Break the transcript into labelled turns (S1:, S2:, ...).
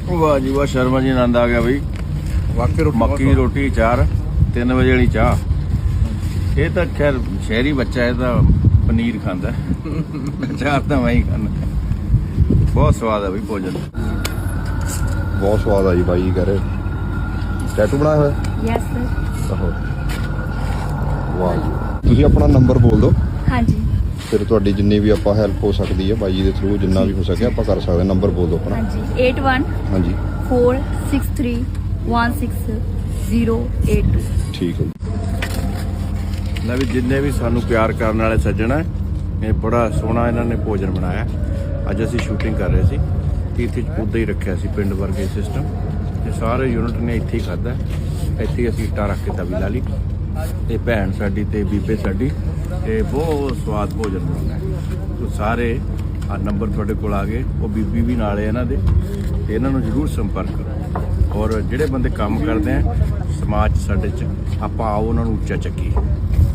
S1: वाह जी वाह, शर्मा जी आनंद आ गया भाई। मक्की की रोटी चार 3 वजे वाली चाह। ये तो खैर शहरी बच्चा है तो पनीर खाता चार तो मैं ही खाना। बहुत स्वाद है भाई भोजन।
S2: बहुत स्वाद आई भाई कह रहे। टैटू बनाया हुआ?
S3: Yes sir.
S2: आहो वाह जी। ਤੁਸੀਂ ਆਪਣਾ ਨੰਬਰ ਬੋਲ ਦਿਓ।
S3: ਹਾਂਜੀ।
S2: ਫਿਰ ਤੁਹਾਡੀ ਜਿੰਨੀ ਵੀ ਆਪਾਂ ਹੈਲਪ ਹੋ ਸਕਦੀ ਹੈ ਬਾਈ ਜੀ ਦੇ ਥਰੂ, ਜਿੰਨਾ ਵੀ ਹੋ ਸਕੇ ਆਪਾਂ ਕਰ ਸਕਦੇ। ਨੰਬਰ ਬੋਲ ਦਿਓ ਆਪਣਾ।
S3: ਹਾਂਜੀ 81
S2: ਹਾਂਜੀ
S3: 463 16082।
S2: ਠੀਕ ਹੈ ਜੀ।
S1: ਲੈ ਵੀ ਜਿੰਨੇ ਵੀ ਸਾਨੂੰ ਪਿਆਰ ਕਰਨ ਵਾਲੇ ਸੱਜਣ ਹੈ, ਇਹ ਬੜਾ ਸੋਹਣਾ ਇਹਨਾਂ ਨੇ ਭੋਜਨ ਬਣਾਇਆ। ਅੱਜ ਅਸੀਂ ਸ਼ੂਟਿੰਗ ਕਰ ਰਹੇ ਸੀ ਤੇ ਇੱਥੇ ਉੱਦਾਂ ਹੀ ਰੱਖਿਆ ਸੀ ਪਿੰਡ ਵਰਗੇ ਸਿਸਟਮ, ਤੇ ਸਾਰੇ ਯੂਨਿਟ ਨੇ ਇੱਥੇ ਹੀ ਖਾਧਾ। ਇੱਥੇ ਹੀ ਅਸੀਂ ਇੱਟਾਂ ਰੱਖ ਕੇ ਤਵੀ ਲਾ ਲਈ, ਤੇ ਭੈਣ ਸਾਡੀ ਤੇ ਬੀਬੇ ਸਾਡੀ ਤੇ ਬਹੁਤ ਸਵਾਦ ਭੋਜਨ ਬਣਾਉਂਦਾ। ਤੋ ਸਾਰੇ ਆ ਨੰਬਰ ਤੁਹਾਡੇ ਕੋਲ ਆ ਗਏ, ਉਹ ਬੀਬੀ ਵੀ ਨਾਲ ਹੈ ਇਹਨਾਂ ਦੇ, ਤੇ ਇਹਨਾਂ ਨੂੰ ਜ਼ਰੂਰ ਸੰਪਰਕ ਕਰੋ। ਔਰ ਜਿਹੜੇ ਬੰਦੇ ਕੰਮ ਕਰਦੇ ਆ ਸਮਾਜ 'ਚ ਸਾਡੇ 'ਚ, ਆਪਾਂ ਆਓ ਉਹਨਾਂ ਨੂੰ ਉੱਚਾ ਚੱਕੀਏ।